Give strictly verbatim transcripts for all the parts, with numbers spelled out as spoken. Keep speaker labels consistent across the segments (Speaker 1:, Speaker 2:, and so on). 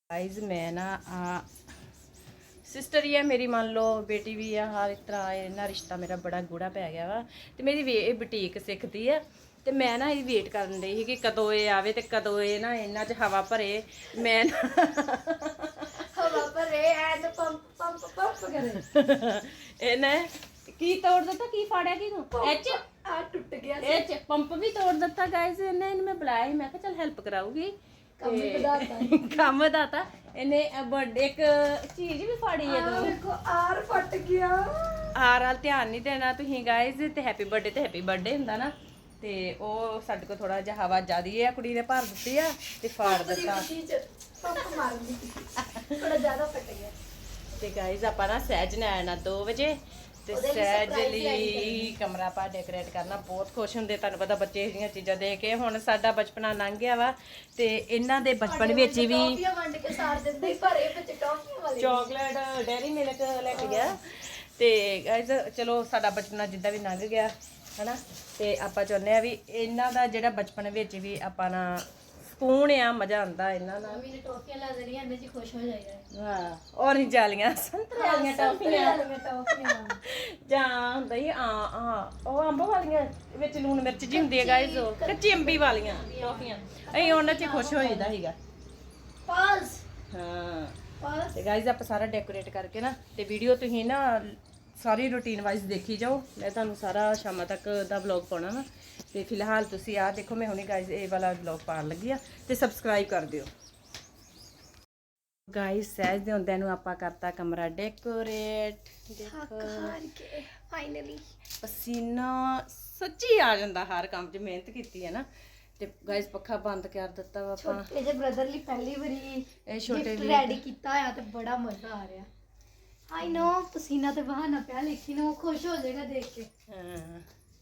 Speaker 1: Guys मैं ना आ sister ही है मेरी, मान लो बेटी भी है, हर एक तरह इन्ना रिश्ता मेरा बड़ा गूढ़ा पै गया वा। तो मेरी वे बुटीक सिखती है तो मैं ना ये वेट करन रही थी कि कदों ये आवे तो कदों ये ना इन्ना च हवा भरे। मैं ना
Speaker 2: हवा भरे एंड पंप पंप पंप करे
Speaker 1: इन्हें की तोड़ दिता, की फाड़िया की तू एच
Speaker 2: आ टूट गया
Speaker 1: एच पंप भी तोड़ दिता। गाइस इन्हें इन्हें मैं बुलाया ही, मैं कहा चल हेल्प कराऊगी,
Speaker 2: ਕੰਮ ਵਧਾਤਾ
Speaker 1: ਕੰਮ ਵਧਾਤਾ ਇਹਨੇ। बर्थडे एक चीज भी फाड़ी है तू
Speaker 2: देखो आर फट गया।
Speaker 1: ਆਰ ਵਾਲ ਧਿਆਨ ਨਹੀਂ ਦੇਣਾ ਤੁਸੀਂ ਗਾਇਜ਼। ਤੇ ਹੈਪੀ ਬਰਥਡੇ ਤੇ ਹੈਪੀ ਬਰਥਡੇ ਹੁੰਦਾ ਨਾ, ਤੇ ਉਹ ਸਾਡੇ ਕੋਲ ਥੋੜਾ ਜਿਹਾ ਹਵਾ ਜ਼ਿਆਦੀ ਹੈ, ਕੁੜੀ ਨੇ ਭਰ ਦਿੱਤੀ ਆ ਤੇ ਫਾੜ ਦਿੱਤਾ
Speaker 2: ਪੰਪ ਮਾਰਨ ਦੀ ਥੋੜਾ ਜ਼ਿਆਦਾ ਫਟ ਗਿਆ।
Speaker 1: ਤੇ ਗਾਇਜ਼ ਆਪਾਂ ਨਾ ਸਹਿਜ ਨੇ ਆਣਾ ਦੋ ਵਜੇ ਤੇ ਸਹਿਜ ਲਈ ਕਮਰਾ ਪਾ ਡੈਕੋਰੇਟ ਕਰਨਾ। ਬਹੁਤ ਖੁਸ਼ ਹੁੰਦੇ, ਤੁਹਾਨੂੰ ਪਤਾ ਬੱਚੇ ਇਹਦੀਆਂ ਚੀਜ਼ਾਂ ਦੇਖ ਕੇ। ਹੁਣ ਸਾਡਾ ਬਚਪਨਾ ਲੰਘ ਗਿਆ ਵਾ ਤੇ ਇਹਨਾਂ ਦੇ ਬਚਪਨ ਵਿੱਚ ਵੀ
Speaker 2: ਟੌਫੀਆਂ ਵੰਡ ਕੇ ਸਾਰ ਦਿੰਦੇ ਭਰੇ ਵਿੱਚ ਟੌਫੀਆਂ ਵਾਲੇ
Speaker 1: ਚਾਕਲੇਟ ਡੈਰੀ ਮਿਲਕ ਲੈ ਕੇ ਗਿਆ। ਤੇ ਗਾਇਜ਼ ਚਲੋ ਸਾਡਾ ਬਚਪਨਾ ਜਿੱਦਾਂ ਵੀ ਲੰਘ ਗਿਆ ਹਨਾ, ਤੇ ਆਪਾਂ ਚਾਹੁੰਦੇ ਆ ਵੀ ਇਹਨਾਂ ਦਾ ਜਿਹੜਾ ਬਚਪਨ ਵਿੱਚ ਵੀ ਆਪਾਂ ਨਾ ਸਕੂਨ ਆ, ਮਜ਼ਾ ਆਉਂਦਾ ਇਹਨਾਂ ਨਾਲ।
Speaker 2: ਮੰਮੀ ਨੇ ਟੌਫੀਆਂ ਲਾ ਦੇਣੀਆਂ, ਇਹਦੇ 'ਚ ਖੁਸ਼ ਹੋ ਜਾਏਗਾ।
Speaker 1: ਹਾਂ ਔਰੇਂਜ ਵਾਲੀਆਂ, ਸੰਤਰੇ ਵਾਲੀਆਂ ਟੌਫੀਆਂ
Speaker 2: ਟੌਫੀਆਂ
Speaker 1: ਜਾਂ ਹੁੰਦਾ ਹੀ ਆ ਆ ਉਹ ਅੰਬ ਵਾਲੀਆਂ ਵਿੱਚ ਲੂਣ ਮਿਰਚ ਜੀ ਹੁੰਦੀ ਹੈ ਗਾਇਜ਼, ਉਹ ਕੱਚੀ ਅੰਬੀ ਵਾਲੀਆਂ ਟੌਫੀਆਂ। ਅਸੀਂ ਉਹਨਾਂ 'ਚ ਖੁਸ਼ ਹੋ ਜਾਂਦਾ ਸੀਗਾ।
Speaker 2: ਪਾਸ
Speaker 1: ਹਾਂ
Speaker 2: ਪਾਸ
Speaker 1: ਤੇ ਗਾਇਜ਼ ਆਪਾਂ ਸਾਰਾ ਡੈਕੋਰੇਟ ਕਰਕੇ ਨਾ ਤੇ ਵੀਡੀਓ ਤੁਸੀਂ ਨਾ ਸਾਰੀ ਰੂਟੀਨ ਵਾਈਜ਼ ਦੇਖੀ ਜਾਓ। ਮੈਂ ਤੁਹਾਨੂੰ ਸਾਰਾ ਸ਼ਾਮਾਂ ਤੱਕ ਦਾ ਵਲੌਗ ਪਾਉਣਾ ਵਾ। ਤੇ ਫਿਲਹਾਲ ਤੁਸੀਂ ਆਹ ਦੇਖੋ, ਮੈਂ ਹੁਣੇ ਗਾਇਜ਼ ਇਹ ਵਾਲਾ ਵਲੌਗ ਪਾਉਣ ਲੱਗੀ ਆ ਤੇ ਸਬਸਕ੍ਰਾਈਬ ਕਰ ਦਿਓ ਗਾਇਜ਼। ਸਹਿਜ ਦੇ ਹੁੰਦਿਆਂ ਨੂੰ ਆਪਾਂ ਕਰਤਾ ਕਮਰਾ ਡੈਕੋਰੇਟ। ਦੇਖੋ
Speaker 2: ਫਾਈਨਲੀ
Speaker 1: ਪਸੀਨਾ ਸੱਚੀ ਆ ਜਾਂਦਾ ਹਰ ਕੰਮ 'ਚ, ਮਿਹਨਤ ਕੀਤੀ ਹੈ ਨਾ। ਤੇ ਗਾਇਜ਼ ਪੱਖਾ ਬੰਦ ਕਰ ਦਿੱਤਾ ਵਾ ਆਪਾਂ।
Speaker 2: ਛੋਟੇ ਜਿਹੇ ਬ੍ਰਦਰ ਲਈ ਪਹਿਲੀ ਵਾਰੀ
Speaker 1: ਇਹ ਛੋਟੇ
Speaker 2: ਗਿਫਟ ਰੈਡੀ ਕੀਤਾ ਹੋਇਆ ਤੇ ਬੜਾ ਮਜ਼ਾ ਆ ਰਿਹਾ। ਆਈ ਨੋ ਪਸੀਨਾ ਤੇ ਬਹਾਨਾ ਪਿਆ, ਲੇਕਿਨ ਉਹ ਖੁਸ਼ ਹੋ ਜਾਏਗਾ ਦੇਖ ਕੇ।
Speaker 1: ਹਾਂ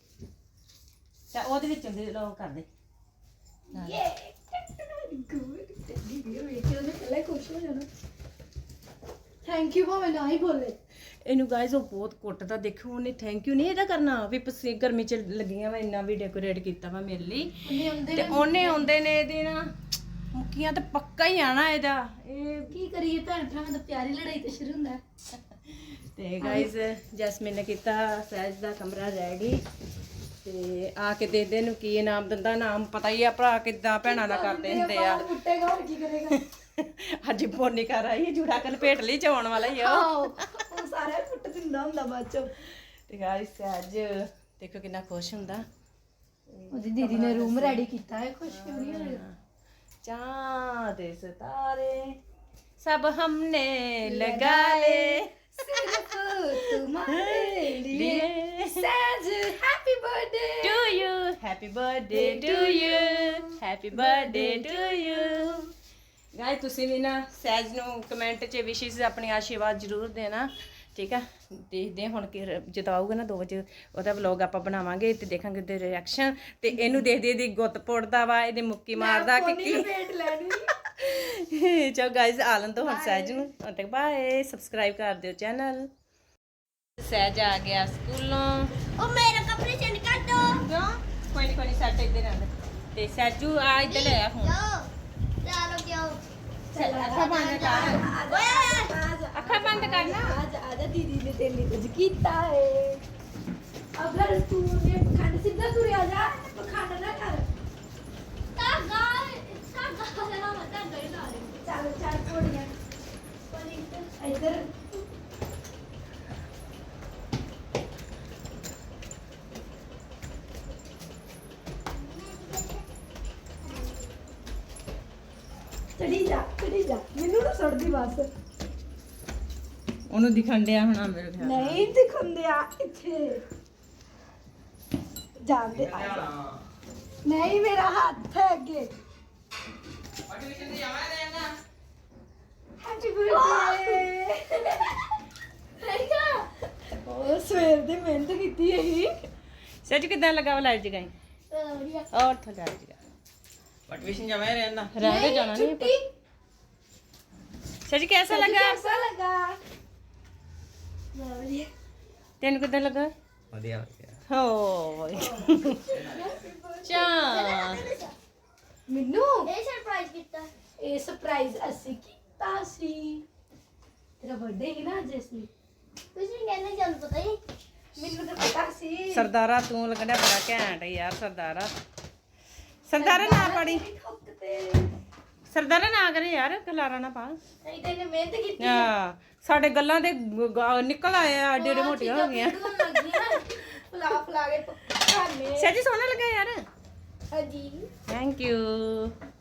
Speaker 1: ਤਾਂ ਉਹਦੇ ਵਿੱਚ ਦੇ ਲੋ ਕਰ ਦੇ
Speaker 2: ਯੇ ਗੁੱਡ ਟੈਡੀ ਵੀ ਵੇਖ ਕੇ ਉਹਨੇ ਪਹਿਲਾਂ ਹੀ ਖੁਸ਼ ਹੋ ਜਾਣਾ। ਥੈਂਕ ਯੂ ਭਾਵੇਂ ਨਾ ਹੀ ਬੋਲੇ।
Speaker 1: ਇਹਨੂੰ ਗਾਇਜ਼ ਉਹ ਬਹੁਤ ਕੁੱਟਦਾ, ਦੇਖੋ ਉਹਨੇ ਥੈਂਕ ਯੂ ਨਹੀਂ ਇਹਦਾ ਕਰਨਾ ਵੀ ਪਸੀ ਗਰਮੀ 'ਚ ਲੱਗੀਆਂ ਵਾ, ਇੰਨਾ ਵੀ ਡੈਕੋਰੇਟ ਕੀਤਾ ਵਾ ਮੇਰੇ ਲਈ।
Speaker 2: ਉਹਨੇ ਹੁੰਦੇ
Speaker 1: ਤੇ ਉਹਨੇ ਆਉਂਦੇ ਨੇ ਇਹਦੇ ਨਾ ਮੁੱਕੀਆਂ ਤੇ ਪੱਕਾ ਹੀ ਆਣਾ ਇਹਦਾ। ਇਹ
Speaker 2: ਕੀ ਕਰੀਏ, ਭੈਣ ਭਰਾਵਾਂ ਦਾ ਪਿਆਰੀ ਲੜਾਈ ਤੇ ਸ਼ੁਰੂ ਹੁੰਦਾ।
Speaker 1: ਤੇ ਗਾਇਜ਼ ਜੈਸਮੀਨ ਨੇ ਕੀਤਾ ਸਹਿਜ ਦਾ ਕਮਰਾ ਰੈਡੀ। ਤੇ ਆ ਕੇ ਦੇ ਦੇ ਨੂੰ ਕੀ ਇਨਾਮ ਦਿੰਦਾ, ਨਾਮ ਪਤਾ ਹੀ ਆ ਭਰਾ ਕਿੱਦਾਂ ਭੈਣਾਂ ਨਾਲ ਕਰਦੇ ਹੁੰਦੇ ਆ।
Speaker 2: ਮੁੱਟੇਗਾ ਹੋਰ ਕੀ ਕਰੇਗਾ।
Speaker 1: ਅੱਜ ਪੋਨੀ ਕਰ ਆਈ ਜੂੜਾ ਕਲ ਭੇਟ ਲਈ ਚਾਉਣ ਵਾਲਾ ਹੀ ਆ ਉਹ।
Speaker 2: ਉਹ ਸਾਰਾ ਪੁੱਟ ਦਿੰਦਾ ਹੁੰਦਾ ਬਾਅਦ ਚੋਂ।
Speaker 1: ਤੇ ਗਾਇਜ਼ ਸਹਿਜ ਦੇਖੋ ਕਿੰਨਾ ਖੁਸ਼ ਹੁੰਦਾ।
Speaker 2: ਉਹਦੀ ਦੀਦੀ ਨੇ ਰੂਮ ਰੈਡੀ ਕੀਤਾ ਹੈ, ਖੁਸ਼ ਕਿਉਂ ਨਹੀਂ ਹੋਏਗਾ।
Speaker 1: चांद सितारे सब हमने लगा ले
Speaker 2: सिर्फ तुम्हारे लिए says happy birthday
Speaker 1: to you, happy birthday to you, happy birthday to you. Guys ਤੁਸੀਂ ਵੀ ਨਾ ਸਹਿਜ ਨੂੰ ਕਮੈਂਟ 'ਚ ਵਿਸ਼ੇਸ ਆਪਣੀ ਆਸ਼ੀਰਵਾਦ ਜ਼ਰੂਰ ਦੇਣਾ, ਠੀਕ ਆ। ਦੇਖਦੇ ਹੁਣ ਕਿ ਜਦੋਂ ਆਊਗਾ ਨਾ ਦੋ ਵਜੇ ਉਹਦਾ ਵਲੌਗ ਆਪਾਂ ਬਣਾਵਾਂਗੇ ਤੇ ਦੇਖਾਂਗੇ ਉਹਦੇ ਰਿਐਕਸ਼ਨ। ਤੇ ਇਹਨੂੰ ਦੇਖਦੇ ਇਹਦੀ ਗੁੱਤ ਪੁੱਟਦਾ ਵਾ, ਇਹਦੇ ਮੁੱਕੀ ਮਾਰਦਾ ਕਿ ਕੀ
Speaker 2: ਵੇਟ ਲੈਣੀ।
Speaker 1: ਚਲੋ ਗਾਇਜ਼ ਆਲਨ ਤੋਂ ਹੁਣ ਸਹਿਜ ਨੂੰ ਹੁਣ ਤੱਕ ਬਾਏ। ਸਬਸਕ੍ਰਾਈਬ ਕਰ ਦਿਓ ਚੈਨਲ। ਸਹਿਜ ਆ ਗਿਆ ਸਕੂਲੋਂ।
Speaker 2: ਉਹ ਮੇਰੇ ਕੱਪੜੇ ਚੇਂਜ ਕਰ ਦੋ।
Speaker 1: ਕਿਉਂ? ਕੋਈ ਨਹੀਂ ਕੋਈ ਨਹੀਂ ਸੱਟ ਇੱਧਰ ਆਂਦੇ। ਤੇ ਸਹਿਜੂ ਆ ਇੱਧਰ ਲੈ ਆ ਹੁਣ।
Speaker 2: ਚਲੋ ਕਿਉਂ
Speaker 1: ਅੱਖਾਂ ਬੰਦ ਕਰ, ਅੱਖਾਂ ਬੰਦ ਕਰਨਾ।
Speaker 2: आज आजा दीदी ने तेरे लिए कुछ कीता है। अगर तू ने पखंड सीधा तुरे आजा, पखंड ना कर। धागा धागा ना मत धागा ही ला ले। चल चल थोड़ियां पर इधर चढ़ी जा चढ़ी जा मैनू ना सड़ दी बस।
Speaker 1: ਉਹਨੂੰ ਦਿਖਣ ਡਿਆ ਹੋਣਾ ਮੇਰੇ ਖਿਆਲ।
Speaker 2: नहीं दिखंदे आ इथे जान दे। नहीं मेरा हाथ है आगे। Happy birthday. ओ सवेर दी मेहनत कीती है।
Speaker 1: ਸਹਿਜ ਕਿੱਦਾਂ ਲੱਗਾ ਵਾ ਲਾਈਟ ਜਗਾਈ
Speaker 2: बढ़िया
Speaker 1: ਔਰ ਥਾ ਲਾਈਟ ਜਗਾ ਪਟਵੀਸ਼ਨ ਜਮਾ ਰਹਿੰਦਾ ਰਹਿੰਦੇ ਜਾਣਾ ਨਹੀਂ।
Speaker 2: छुट्टी
Speaker 1: ਸਹਿਜ ਕਿਹਦਾ ਲੱਗਾ?
Speaker 2: कैसा लगा? बढ़िया
Speaker 1: ਤੈਨੂੰ ਕਿੱਦਾਂ ਲੱਗਾ?
Speaker 3: ਵਧੀਆ ਵਧੀਆ।
Speaker 1: ਹੋ ਚਾ
Speaker 2: ਮੈਨੂੰ ਇਹ ਸਰਪ੍ਰਾਈਜ਼ ਕੀਤਾ। ਇਹ ਸਰਪ੍ਰਾਈਜ਼ ਅਸੀਂ ਕੀਤਾ। ਪਤਾ ਸੀ ਤੇਰਾ ਬਰਥਡੇ ਹੈ ਨਾ ਅੱਜ ਇਸ ਲਈ ਤੁਸੀਂ ਕਹਿੰਦੇ ਚੱਲ ਪਤਾ ਹੀ ਮੈਨੂੰ ਤਾਂ ਪਤਾ ਸੀ
Speaker 1: ਸਰਦਾਰਾ ਤੂੰ ਲੱਗਣਾ ਬੜਾ ਘੈਂਟ ਯਾਰ ਸਰਦਾਰਾ ਸਰਦਾਰਾ ਨਾ ਪੜੀ ਸਰਦਾਰਾ ਨਾ ਕਰੇ ਯਾਰ ਖਲਾਰਾ ਨਾ ਪਾ
Speaker 2: ਨਹੀਂ ਤੇ ਮਿਹਨਤ ਕੀਤੀ
Speaker 1: ਆ ਸਾਡੇ ਗੱਲਾਂ ਦੇ ਗ- ਗ- ਨਿਕਲ ਆਏ ਆ ਏਡੇ ਏਡੇ ਮੋਟੀਆਂ ਹੋ ਗਈਆਂ
Speaker 2: ਫਲਾ ਫਲਾ ਕੇ ਖਾਣੇ
Speaker 1: ਸੱਚੀ ਸੋਹਣਾ ਲੱਗਾ ਯਾਰ
Speaker 2: ਹਾਂਜੀ
Speaker 1: ਥੈਂਕ ਯੂ